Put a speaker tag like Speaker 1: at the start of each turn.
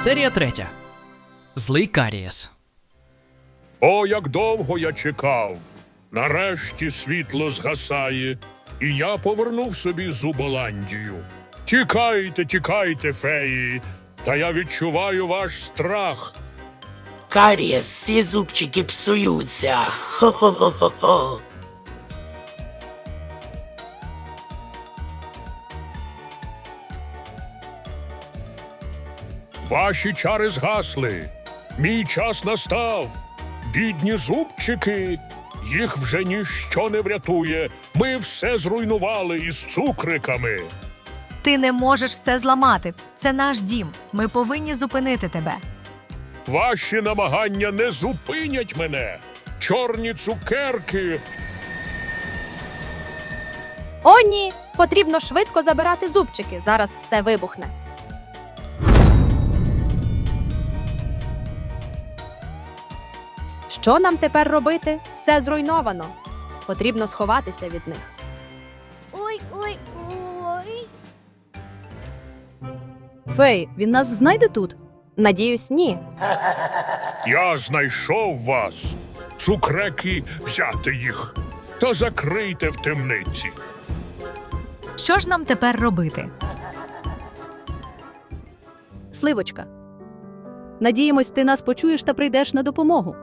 Speaker 1: Серія 3. Злий Карієс.
Speaker 2: О, як довго я чекав! Нарешті світло згасає, і я повернув собі Зуболандію. Тікайте, тікайте, феї, та я відчуваю ваш страх.
Speaker 3: Карієс, всі зубчики псуються. Хо-хо-хо-хо-хо.
Speaker 2: Ваші чари згасли. Мій час настав. Бідні зубчики, їх вже ніщо не врятує. Ми все зруйнували із цукриками.
Speaker 4: Ти не можеш все зламати. Це наш дім. Ми повинні зупинити тебе.
Speaker 2: Ваші намагання не зупинять мене. Чорні цукерки.
Speaker 5: О, ні! Потрібно швидко забирати зубчики. Зараз все вибухне. Що нам тепер робити? Все зруйновано. Потрібно сховатися від них.
Speaker 6: Ой, ой, ой.
Speaker 7: Фей, він нас знайде тут?
Speaker 5: Надіюсь, ні.
Speaker 2: Я знайшов вас. Цукреки, взяти їх. Та закрийте в темниці.
Speaker 4: Що ж нам тепер робити?
Speaker 7: Сливочка. Надіємось, ти нас почуєш та прийдеш на допомогу.